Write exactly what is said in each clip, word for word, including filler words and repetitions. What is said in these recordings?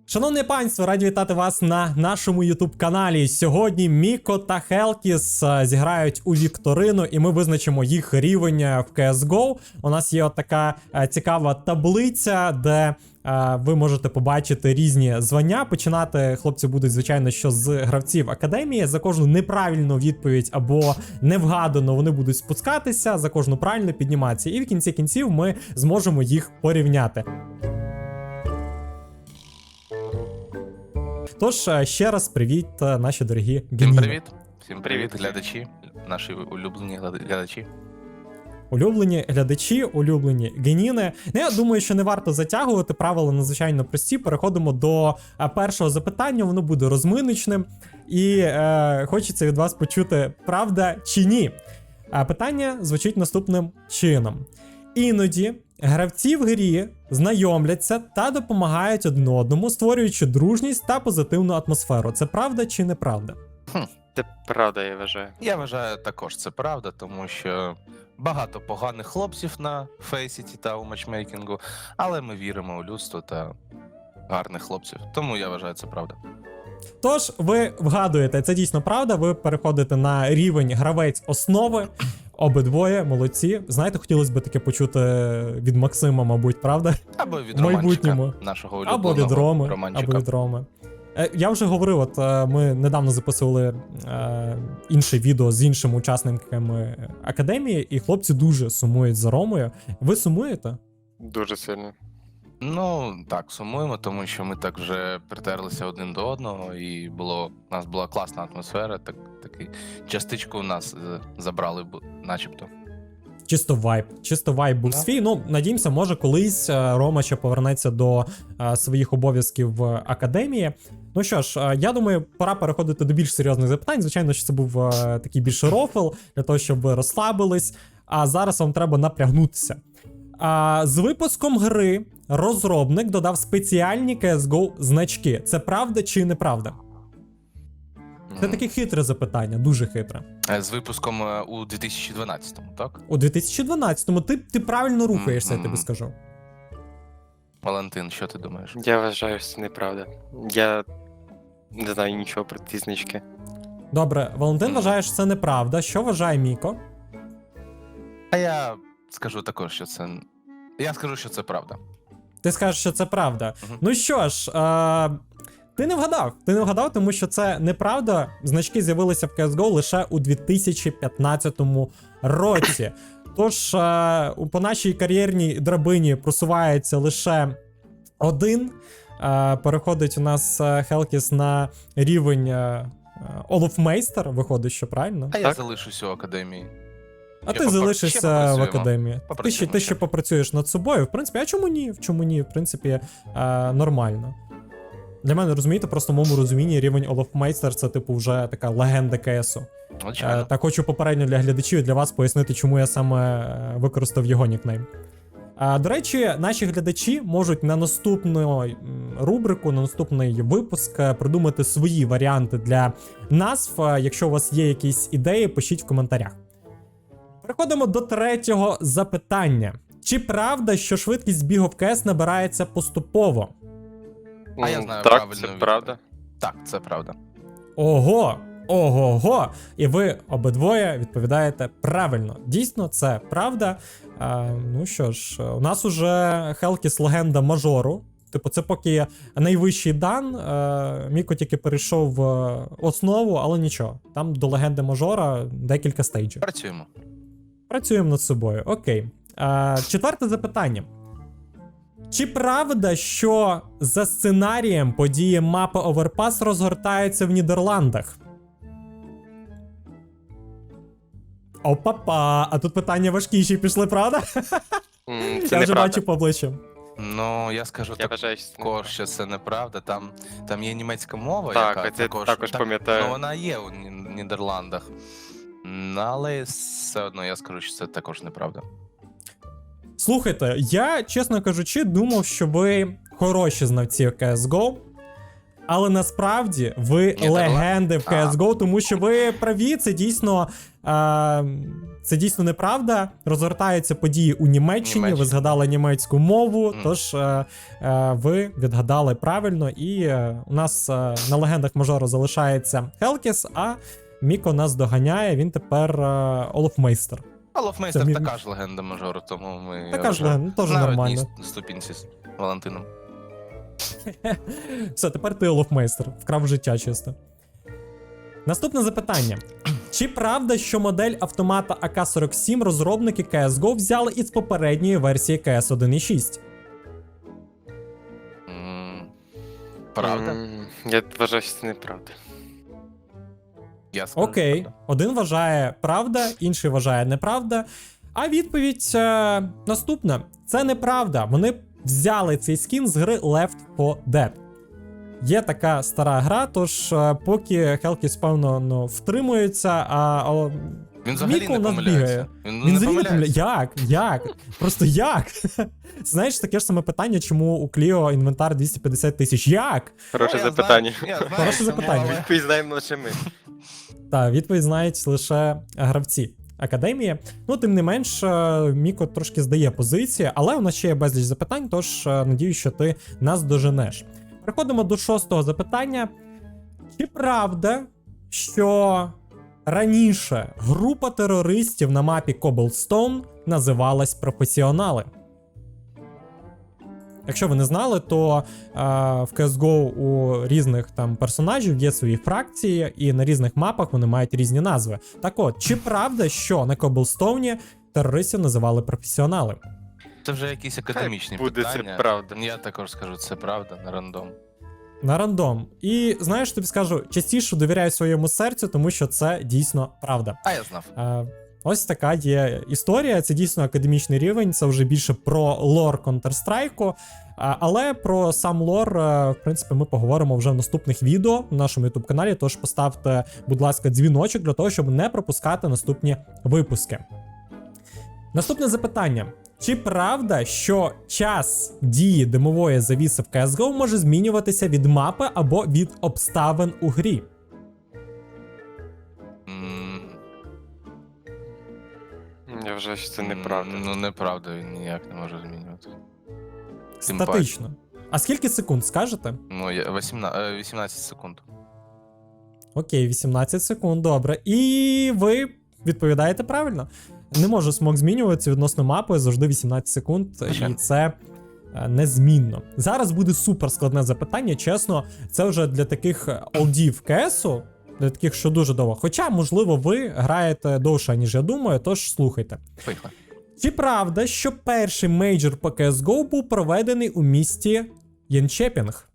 Шановне панство, раді вітати вас на нашому ютуб-каналі. Сьогодні Міко та Хелкіс а, зіграють у вікторину, і ми визначимо їх рівень в сі ес го. У нас є от така а, цікава таблиця, де а, ви можете побачити різні звання. Починати хлопці будуть, звичайно, що з гравців академії. За кожну неправильну відповідь або невгадану вони будуть спускатися, за кожну правильну підніматися. І в кінці кінців ми зможемо їх порівняти. Тож, ще раз привіт, наші дорогі геніни. Всім привіт. Всім привіт, глядачі, наші улюблені глядачі. Улюблені глядачі, улюблені геніни. Ну, я думаю, що не варто затягувати, правила надзвичайно прості. Переходимо до першого запитання, воно буде розминочним. І е, хочеться від вас почути, правда чи ні. А питання звучить наступним чином. Іноді гравці в грі знайомляться та допомагають один одному, створюючи дружність та позитивну атмосферу. Це правда чи неправда? Хм. Це правда, я вважаю. Я вважаю, також це правда, тому що багато поганих хлопців на Фейсіті та у матчмейкінгу, але ми віримо у людство та гарних хлопців. Тому я вважаю, це правда. Тож, ви вгадуєте, це дійсно правда, ви переходите на рівень гравець основи. Обидвоє молодці. Знаєте, хотілося б таке почути від Максима, мабуть, правда? Або від В майбутньому. романчика, нашого улюбленого Або від Роми, романчика. або від Роми. Е, я вже говорив, от е, ми недавно записували е, інше відео з іншими учасниками академії, і хлопці дуже сумують за Ромою. Ви сумуєте? Дуже сильно. Ну, так, сумуємо, тому що ми так вже притерлися один до одного, і було, у нас була класна атмосфера, так, такий частичку у нас е, забрали, бу- начебто. Чисто вайб. Чисто вайб був Да. свій. Ну, надіємося, може колись е, Рома ще повернеться до е, своїх обов'язків в академії. Ну що ж, е, я думаю, пора переходити до більш серйозних запитань. Звичайно, що це був е, такий більше рофл, для того, щоб ви розслабились. А зараз вам треба напрягнутися. А, з випуском гри розробник додав спеціальні сі ес го значки. Це правда чи неправда? Це М. таке хитре запитання, дуже хитре. Е, З випуском е, у дві тисячі дванадцятому, так? У дві тисячі дванадцятому ти, ти правильно рухаєшся, я тобі Мгм. скажу. Валентин, що ти думаєш? Я вважаю, що це неправда. Я не знаю нічого про ці значки. Добре, Валентин Мгм. вважає, що це неправда. Що вважає Міко? А я скажу також, що це. Я скажу, що це правда. Ти скажеш, що це правда. Мгм. Ну що ж, е, ти не вгадав. Ти не вгадав, тому що це неправда. Значки з'явилися в сі ес го лише у дві тисячі п'ятнадцятому році. Тож, е, у- по нашій кар'єрній драбині просувається лише один. Е, переходить у нас е, Хелкіс на рівень е, Олофмейстер, виходить, що правильно. А я Так. залишусь у академії. А Ще ти попра- ще залишишся в попрацюємо. академії. Ти ще, Попрацюємо ти ще. ще попрацюєш над собою. В принципі, а чому ні? В чому ні? В принципі, е, нормально. Для мене, розумієте, просто в моєму розумінні рівень Олофмейстер це, типу, вже така легенда КСу. Е, Звичайно. та хочу попередньо для глядачів і для вас пояснити, чому я саме е, використав його нікнейм. А, до речі, наші глядачі можуть на наступну м, рубрику, на наступний випуск е, придумати свої варіанти для назв. Е, Якщо у вас є якісь ідеї, пишіть в коментарях. Переходимо до третього запитання. Чи правда, що швидкість бігу в КС набирається поступово? А я М, знаю так, правильну це відповідь. правда. Так, це правда. Ого! Ого-го! І ви обидвоє відповідаєте правильно. Дійсно, це правда. А, ну що ж, у нас уже Хелкіс легенда мажору. Типу, це поки найвищий дан. Е, Міко тільки перейшов в основу, але нічого. Там до легенди мажора декілька стейджів. Працюємо. Працюємо над собою. Окей. А, четверте запитання. Чи правда, що за сценарієм події мапи Оверпас розгортаються в Нідерландах? Опа-па, а тут питання важкіші пішли, правда? М, Я Це вже неправда. бачу по обличчям. Ну, я скажу Я так. вважаю, що це Також, неправда. що це неправда. Там, там є німецька мова, Так, яка це також, також так, пам'ятаю. Ну, вона є у Ні- Нідерландах. М, Але все одно я скажу, що це також неправда. Слухайте, я, чесно кажучи, думав, що ви хороші знавці сі ес го. Але насправді ви Нідерланд? легенди в А. кей ес гоу, тому що ви праві, це дійсно, е, це дійсно неправда. Розгортаються події у Німеччині, ви Німеччина. згадали німецьку мову, Мгм. тож е, е, ви відгадали правильно. І е, у нас е, на легендах мажору залишається Хелкіс, а Міко нас доганяє, він тепер е, Олофмейстер. А Лофмейстер Це мі- така ж легенда мажору, тому ми. Така ж вже легенда, теж на нормально. одній ступінці з Валентином. Все, тепер ти Олофмейстер. Вкрав життя чисто. Наступне запитання. Чи правда, що модель автомата а ка сорок сім розробники кей ес гоу взяли із попередньої версії кей ес один і шість? М, Правда? М, Я вважаю, що це неправда. Я скажу, Окей. правда. Один вважає правда, інший вважає неправда. А відповідь е, наступна. Це неправда. Вони взяли цей скін з гри Left фор Dead. Є така стара гра, тож е, поки Хелкіс, певно, ну, втримується, а, а Він взагалі Міко не у нас помиляється. бігає. Він, Він не взагалі не помиляється. помиляє. Як? Як? Просто як? Знаєш, таке ж саме питання, чому у Кліо інвентар двісті п'ятдесят тисяч. Як? Хороше Ну, я запитання. знаю, я знаю, Хороше чому, запитання. але- Відповідь знаємо лише ми. Так, відповідь знають лише гравці академії. Ну, тим не менш, е, Міко трошки здає позиції, але у нас ще є безліч запитань, тож е, надіюсь, що ти нас доженеш. Переходимо до шостого запитання. Чи правда, що раніше група терористів на мапі Cobblestone називалась професіонали? Якщо ви не знали, то е, в кей ес гоу у різних там персонажів є свої фракції, і на різних мапах вони мають різні назви. Так от, чи правда, що на Коблстоуні терористів називали професіонали? Це вже якісь академічні Буде це питання. правда. Я також скажу, це правда на рандом. На рандом. І знаєш, тобі скажу, частіше довіряю своєму серцю, тому що це дійсно правда. А я знав. Е, Ось така є історія. Це дійсно академічний рівень, це вже більше про лор Counter-Strike. А, Але про сам лор, е, в принципі, ми поговоримо вже в наступних відео на нашому YouTube каналі. Тож поставте, будь ласка, дзвіночок для того, щоб не пропускати наступні випуски. Наступне запитання. Чи правда, що час дії димової завіси в кей ес гоу може змінюватися від мапи або від обставин у грі? М, Я вважаю, що це неправда. м, Ну, неправда, він ніяк не може змінювати. Тим Статично. А скільки секунд скажете? Ну, я вісімнадцять, е, вісімнадцять секунд. Окей, вісімнадцять секунд, добре. І ви відповідаєте правильно. Не може смок змінюватися відносно мапи, завжди вісімнадцять секунд, і Звичайно. це е, незмінно. Зараз буде супер складне запитання, чесно, це вже для таких олдів КСу, для таких, що дуже довго. Хоча, можливо, ви граєте довше, ніж я думаю, тож слухайте. Поїхали. Чи правда, що перший мейджор по кей ес гоу був проведений у місті Єнчепінг?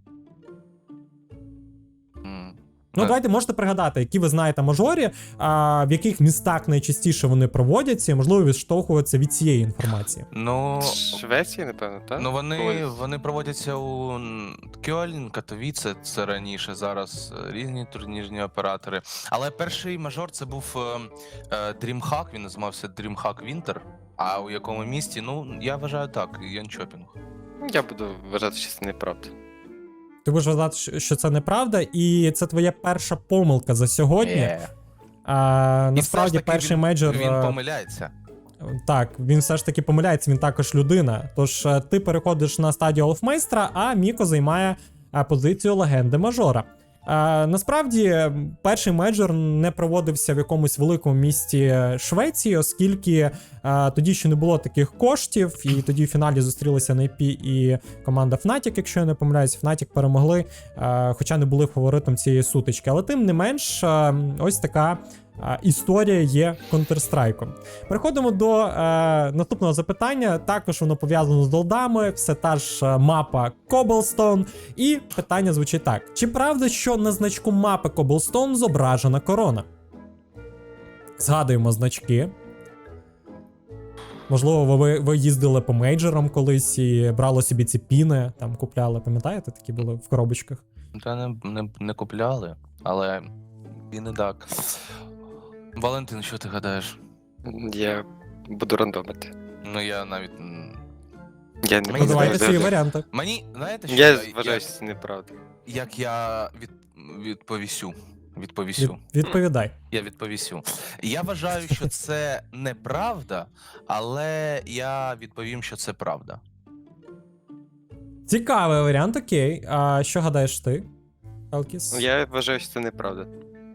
М, Ну, е, давайте можете пригадати, які ви знаєте мажорі, а в яких містах найчастіше вони проводяться, і, можливо, відштовхуватися від цієї інформації. Ну, Швеція, напевно, так? ну вони, Проводиться. вони проводяться у м, Кьольн, Катовіце, це раніше, зараз е, різні турнірні оператори. Але перший мажор це був е, е, DreamHack, він називався DreamHack Winter. А у якому місті? Ну, я вважаю так, Янчопінг. Я буду вважати, що це неправда. Ти будеш вважати, що- що це неправда, і це твоя перша помилка за сьогодні. Е. А, І насправді, все ж таки перший він, мейджор. Він е, помиляється. Так, він все ж таки помиляється, він також людина. Тож е, ти переходиш на стадію Олфмейстра, а Міко займає е, позицію легенди мажора. Е, насправді, м, перший мейджор не проводився в якомусь великому місті Швеції, оскільки е, тоді ще не було таких коштів, і тоді в фіналі зустрілися ен ай пі і команда Fnatic, якщо я не помиляюсь, Fnatic перемогли, е, хоча не були фаворитом цієї сутички. Але тим не менш, е, ось така е, історія є Counter-Strike. Переходимо до е, наступного запитання. Також воно пов'язано з долдами, все та ж е, мапа Cobblestone. І питання звучить так: чи правда, що на значку мапи Cobblestone зображена корона? Згадуємо значки. Можливо, ви, ви їздили по мейджорам колись і брали собі ці піни, там купляли, пам'ятаєте, такі були в коробочках? Та не, не, не купляли, але і не так. Валентин, що ти гадаєш? Я буду рандомити. Ну я навіть. м, Я не Мені Ну, буду давайте здається, свої вважати. варіанти. Мені, знаєте, що Я я, вважаю, що це неправда. як я від, відповісю. Від, Відповісю. відповідай. Я відповісю. Я вважаю, що це неправда, але я відповім, що це правда. Цікавий варіант, окей. А що гадаєш ти, Хелкіс? Я вважаю, що це неправда.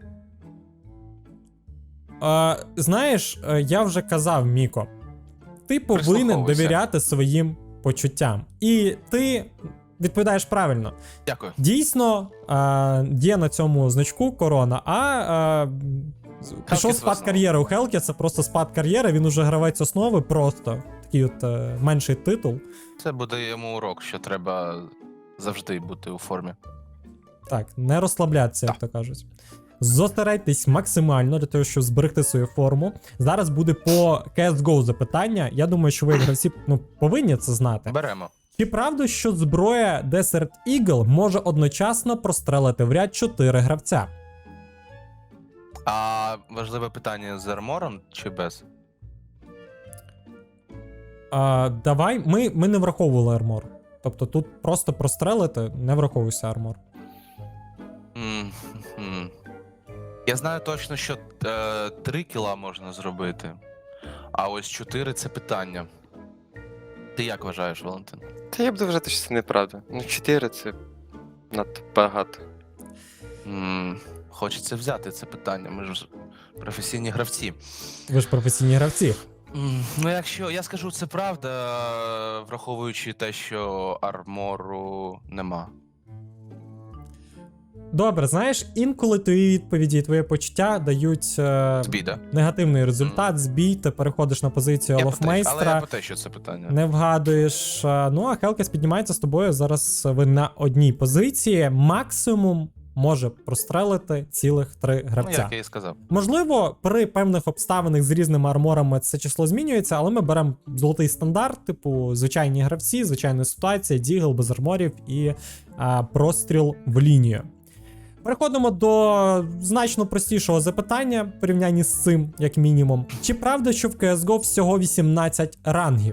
А, знаєш, е, я вже казав, Міко, ти повинен Прислуховуйся. довіряти своїм почуттям. І ти відповідаєш правильно. Дякую. Дійсно, а, є на цьому значку корона, а, а пішов спад визнав. кар'єри у Хелкіса, просто спад кар'єри, він уже гравець основи, просто такий от е, менший титул. Це буде йому урок, що треба завжди бути у формі. Так, не розслаблятися, як то кажуть. Зосередьтесь максимально для того, щоб зберегти свою форму. Зараз буде по сі ес го запитання. Я думаю, що ви, як гравці, ну, повинні це знати. Беремо. Чи правда, що зброя Desert Eagle може одночасно прострелити в ряд чотири гравця? А важливе питання з армором чи без? А, давай, ми, ми не враховували армор. Тобто тут просто прострелити, не враховується армор. М-м. Я знаю точно, що е, три кіла можна зробити, а ось чотири це питання. Ти як вважаєш, Валентин? Та я буду вважати, що це неправда. Ну, чотири це надто багато. М, Хочеться взяти це питання, ми ж професійні гравці. Ви ж професійні гравці. М, Ну, якщо я скажу, це правда, е, враховуючи те, що армору нема. Добре, знаєш, інколи твої відповіді і твої почуття дають е, Збій, да? негативний результат, збій, ти переходиш на позицію Я про те, але я Олофмейстера, про те, що це питання. не вгадуєш. е, Ну, а Хелкіс піднімається з тобою, зараз ви на одній позиції, максимум може прострелити цілих три Ну, гравця. як я і сказав. Можливо, при певних обставинах з різними арморами це число змінюється, але ми беремо золотий стандарт, типу звичайні гравці, звичайна ситуація, дігл без арморів і а, простріл в лінію. Переходимо до значно простішого запитання в порівнянні з цим, як мінімум. Чи правда, що в сі ес го всього вісімнадцять рангів?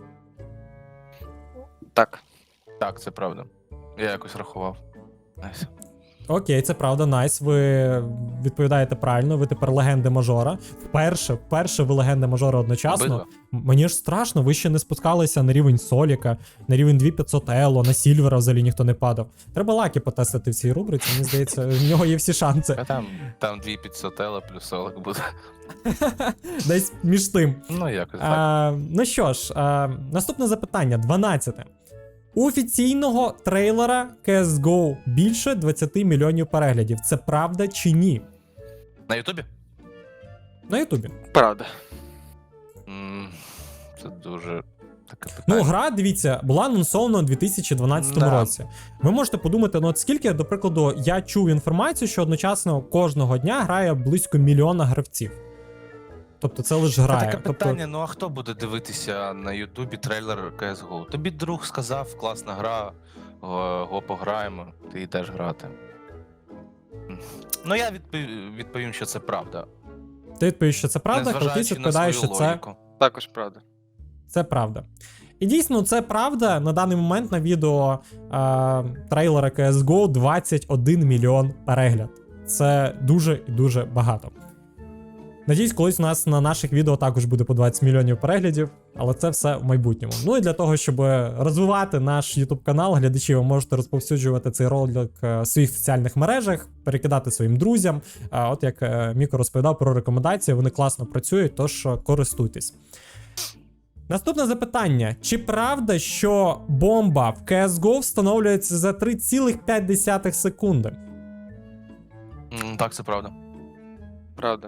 Так. Так, це правда. Я якось рахував. Найс. Окей, це правда, найс. Ви відповідаєте правильно, ви тепер легенди мажора. Вперше, вперше ви легенди мажора одночасно. Обидва. М- Мені ж страшно, ви ще не спускалися на рівень Соліка, на рівень дві тисячі п'ятсот Ело, на Сільвера взагалі ніхто не падав. Треба лаки потестити в цій рубриці, мені здається, в нього є всі шанси. А там, там дві тисячі п'ятсот Ела плюс солик буде. Десь між тим. Ну, якось так. А, ну що ж, а, наступне запитання, дванадцяте. У офіційного трейлера сі ес го більше двадцять мільйонів переглядів. Це правда чи ні? На Ютубі? На Ютубі. Правда. М, Це дуже таке Ну, питання. гра, дивіться, була анонсована у дві тисячі дванадцятому Да. році. Ви можете подумати, ну от скільки, до прикладу, я чув інформацію, що одночасно кожного дня грає близько мільйона гравців. Тобто це лише Це грає. таке Тобто, питання, ну а хто буде дивитися на Ютубі трейлер сі ес го? Тобі друг сказав, класна гра, го, го пограємо, ти йдеш грати. М. Ну, я відпов- відповім, що це правда. ти відповіш, що це правда, Хелкіс Незважаючи на відповідає, свою що це, логіку. Також правда. це правда. І дійсно, це правда. На даний момент на відео е, трейлера сі ес го двадцять один мільйон перегляд. Це дуже і дуже багато. Надіюсь, колись у нас на наших відео також буде по двадцять мільйонів переглядів, але це все в майбутньому. Ну і для того, щоб розвивати наш YouTube канал, глядачі, ви можете розповсюджувати цей ролик е, в своїх соціальних мережах, перекидати своїм друзям. А от як е, Міко розповідав про рекомендації, вони класно працюють, тож е, користуйтесь. Наступне запитання. Чи правда, що бомба в сі ес го встановлюється за три цілих п'ять десятих секунди? М, Так, це правда. Правда.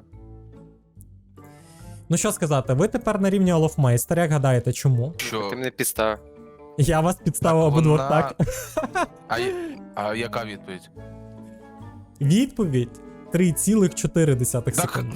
Ну що сказати, ви тепер на рівні Олофмейстера, як гадаєте, чому? Що Ти мене підставив. Я вас підставив обидвох, вона- так? А, є- а яка відповідь? Відповідь три цілих чотири десятих Так, секунди.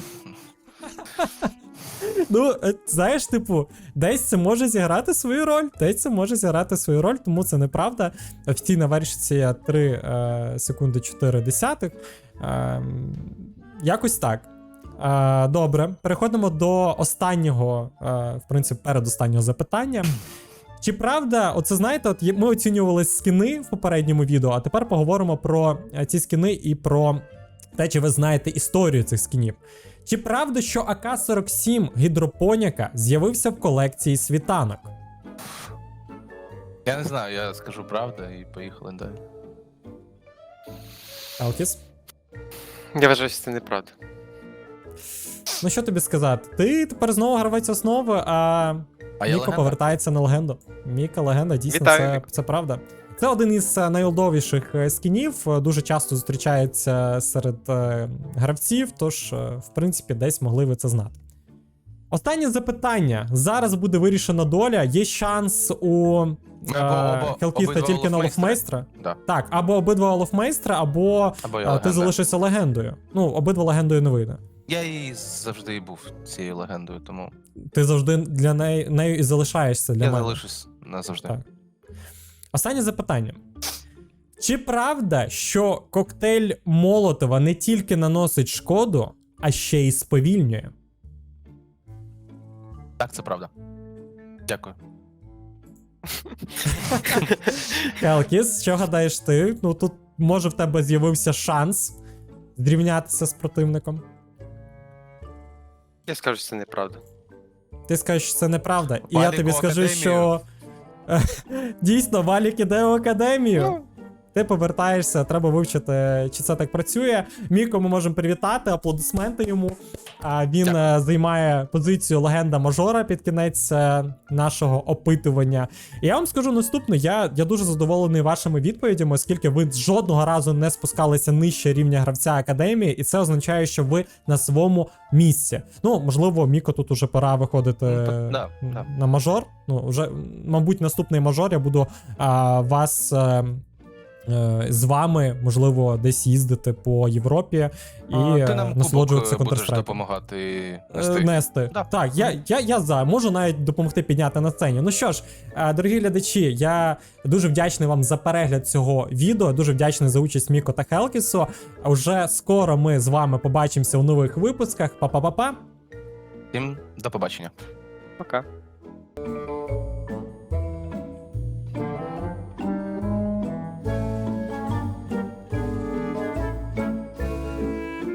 Ну, е, знаєш, типу, десь це може зіграти свою роль, десь це може зіграти свою роль, тому це неправда. Офіційна версія три е, секунди чотири десятих. Е, якось так. Е, добре, переходимо до останнього, е, в принципі, передостаннього запитання. Чи правда, оце знаєте, от є- ми оцінювали скіни в попередньому відео, а тепер поговоримо про е, ці скіни і про те, чи ви знаєте історію цих скінів. Чи правда, що А К сорок сім гідропоніка з'явився в колекції світанок? Я не знаю, я скажу правду і поїхали далі. Елкіс? Я вважаю, що це неправда. Ну що тобі сказати? Ти тепер знову гравець основи, а, А я Міко легенда? повертається на легенду. Міка легенда, дійсно, Вітаю, це, Міко. це правда. Це один із е, найолдовіших е, скінів, е, дуже часто зустрічається серед е, гравців, тож, е, в принципі, десь могли ви це знати. Останнє запитання. Зараз буде вирішена доля. Є шанс у Або- або- Хелкіста обидва тільки на Олофмейстери. Олофмейстра. Да. Так, або обидва Олофмейстра, або Або я е, ти легенда. залишишся легендою. Ну, обидва легендою не вийде. Я і завжди і був цією легендою, тому Ти завжди для неї, нею і залишаєшся для я мене. залишусь назавжди. Так. Останнє запитання. Чи правда, що коктейль Молотова не тільки наносить шкоду, а ще й сповільнює? Так, це правда. Дякую. Хелкіс, що гадаєш ти? Ну тут може в тебе з'явився шанс зрівнятися з противником. Я скажу, що це неправда. Ти скажеш, що це неправда. І я Валік тобі у скажу, академію. що е, дійсно Валік іде в академію. Ти повертаєшся, треба вивчити, чи це так працює. Міко ми можемо привітати, аплодисменти йому. А він Дякую. е, займає позицію легенда мажора під кінець е, нашого опитування. І я вам скажу наступне: я, я дуже задоволений вашими відповідями, оскільки ви жодного разу не спускалися нижче рівня гравця академії, і це означає, що ви на своєму місці. Ну, можливо, Міко тут уже пора виходити Ну, так, да, м, да. на мажор. Ну, вже, мабуть, наступний мажор я буду а, вас. Е, Е, з вами, можливо, десь їздити по Європі і А, ти е, нам насолоджуватися кубок е, будеш Counter-Strike. допомагати Е, нести. Нести. Да. Так, я, я, я за. Можу навіть допомогти підняти на сцені. Ну що ж, е, дорогі глядачі, я дуже вдячний вам за перегляд цього відео, дуже вдячний за участь Міко та Хелкісу. А вже скоро ми з вами побачимося у нових випусках. Па-па-па-па. Всім до побачення. Пока.